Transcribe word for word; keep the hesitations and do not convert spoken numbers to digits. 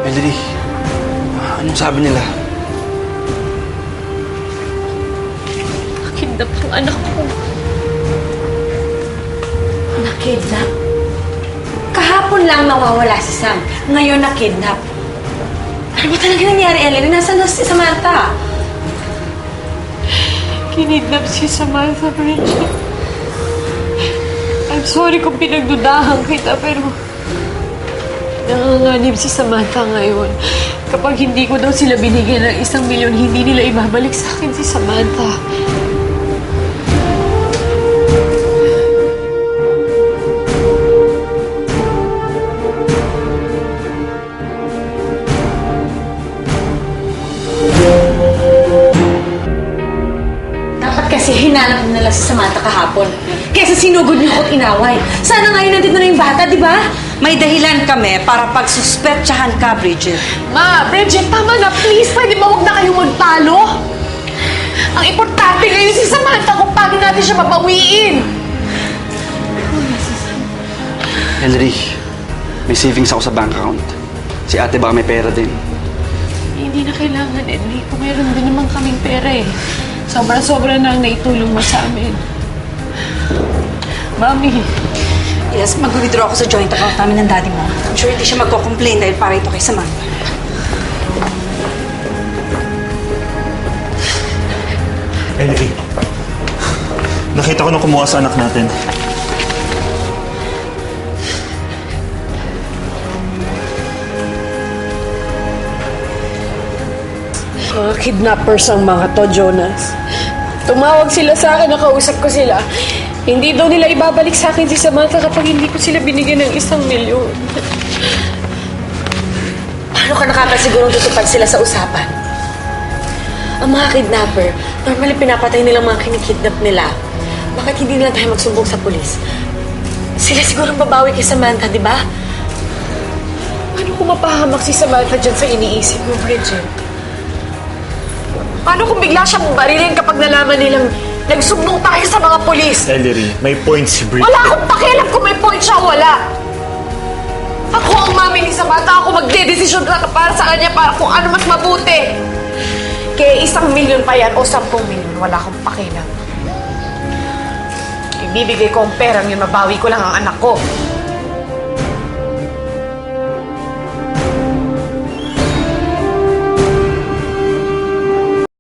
Ellery, anong sabi nila? Nakidnap yung anak ko. Nakidnap? Kahapon lang nawawala si Sam. Ngayon nakidnap. Ano ba talaga nangyari, Ellery? Nasaan na si Samantha? Kinidnap si Samantha, Bridget. I'm sorry kung pinagdudahan kita, pero nanganganib si Samantha ngayon. Kapag hindi ko daw sila binigyan ng isang milyon, hindi nila ibabalik sa akin si Samantha. Dapat kasi hinanap nila si Samantha kahapon. Kesa sinugod niyo ko't inaway. Sana ngayon nandito na yung bata, di ba? May dahilan kami para pagsuspetsahan ka, Bridget. Ma, Bridget, tama na. Please, pwede ba huwag na kayong magtalo? Ang importante ngayon si Samantha kung paano natin siya mabawiin. Ellery, may savings ako sa bank account. Si ate baka may pera din. Hindi na kailangan, Enrico. Meron din naman kaming pera eh. Sobra-sobra na ang naitulong mo sa amin. Mami, Yes, mag-withdraw ako sa joint account namin ng daddy mo. I'm sure hindi siya magko-complain dahil para ito kay Samantha. Ellery, nakita ko nung kumuha sa anak natin. mga kidnappers ang mga to, Jonas. Tumawag sila sa akin, nakausap ko sila. Hindi daw nila ibabalik sa akin si Samantha kapag hindi ko sila binigyan ng isang milyon. Paano ka nakakasigurong tutupad sila sa usapan? Ang mga kidnapper, normally pinapatay nilang mga kinikidnap nila. Bakit hindi nila tayo magsumbong sa pulis? Sila sigurong babawi kay Samantha, di ba? Paano kung mapahamak si Samantha dyan sa iniisip mo, Bridget? Paano kung bigla siyang barilin kapag nalaman nilang nagsumbong tayo sa mga pulis? Ellery, may point si Bridget. Wala akong pakialam kung may point siya o wala. Ako ang mami ni Samantha. Ako magdedesisyon ka para sa kanya para kung ano mas mabuti. Kaya isang milyon pa yan o sampung milyon, wala akong pakialam. Ibibigay ko ang perang yun, mabawi ko lang ang anak ko.